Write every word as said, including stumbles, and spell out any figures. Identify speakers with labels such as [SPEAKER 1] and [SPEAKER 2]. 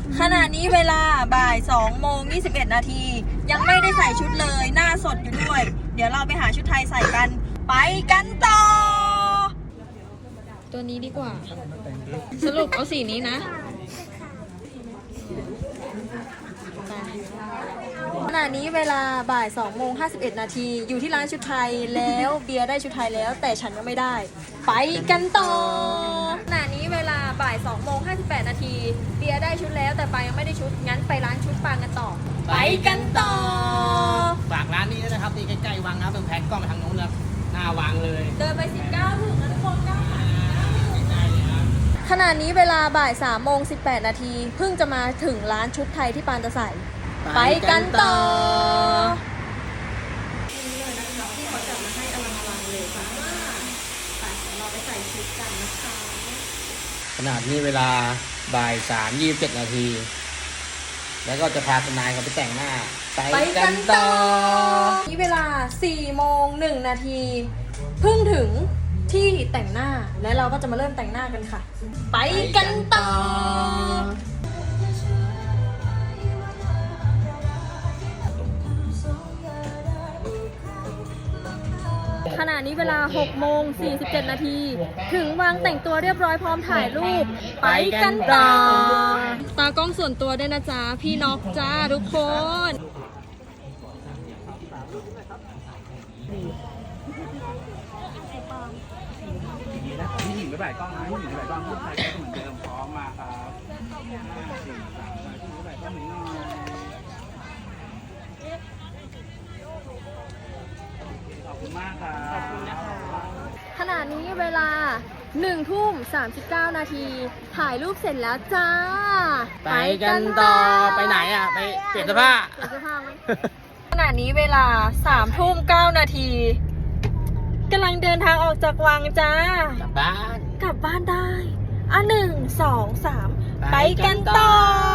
[SPEAKER 1] ขณะนี้เวลาบ่ายสองโมงยี่สิบเอ็ดนาทียังไม่ได้ใส่ชุดเลยหน้าสดอยู่ด้วยเดี๋ยวเราไปหาชุดไทยใส่กันไปกันต่อตัวนี้ดีกว่าสรุปเอาสีนี้นะขณะนี้เวลาบ่ายสองโมงห้าสิบเอ็ดนาทีอยู่ที่ร้านชุดไทยแล้วเบียร์ได้ชุดไทยแล้วแต่ฉันยังไม่ได้ไปกันต่อขณะนี้เวลาบ่ายสองโมงห้าสิบแปดนาทีเบียร์ได้ชุดแล้วแต่ปายังไม่ได้ชุดงั้นไปร้านชุดปางกันต่อไปกันต่อ
[SPEAKER 2] ฝากร้านนี้ด้วยนะครับที่ใกล้ๆวังนะครับเป็นแพ็คกล้องไปทางโน้นนะหน้าวังเลย
[SPEAKER 1] เดินไปสิบเก้าถึงนะทุกคนเก้าขณะนี้เวลาบ่ายสามโมงสิบแปดนาทีเพิ่งจะมาถึงร้านชุดไทยที่ปานจะใส่ไปกันต่อนี่เลยนะคะที่เขาจัดมาให้อลังอลังเลยค่ะไปเราไปใส่ชุดกันนะคะ
[SPEAKER 2] ขนาดนี้เวลาบ่ายสามยี่สิบเจ็ดนาทีแล้วก็จะพาทนายเขาไปแต่งหน้าไปกันต่อ
[SPEAKER 1] นี่เวลาสี่โมงหนึ่งนาทีเพิ่งถึงที่แต่งหน้าและเราก็จะมาเริ่มแต่งหน้ากันค่ะ ไปกันต่อขณะนี้เวลาหกโมงสี่สิบเจ็ดนาทีถึงวางแต่งตัวเรียบร้อยพร้อมถ่ายรูปไปกันต่อตากล้องส่วนตัวด้วยนะจ๊ะพี่น็อกจ้าทุกคน
[SPEAKER 3] พี่หญิงไปบ่ายกล้องนะพี่หญิงไปบ่ายกล้องพูดไทยก็เหมือนเดิมพร้อมมาครับสี่สามพี่หญิงไปบ่ายกล้องหนึ่งหน่อยขอบคุณมากครับขอบคุณนะครับ
[SPEAKER 1] ขณะนี้เวลาหนึ่งทุ่มสามสิบเก้านาทีถ่ายรูปเสร็จแล้วจ้า
[SPEAKER 2] ไปกันต่อไปไหนอ่ะไปเปลี่ยนเสื้อผ้า
[SPEAKER 1] เปลี่ยนเสื้อผ้าไหม ขณะนี้เวลาสามทุ่มเก้านาทีกำลังเดินทางออกจากวังจ้าก
[SPEAKER 2] ลับบ้าน
[SPEAKER 1] กลับบ้านได้อ่ะหนึ่งสองสามไปกันต่อ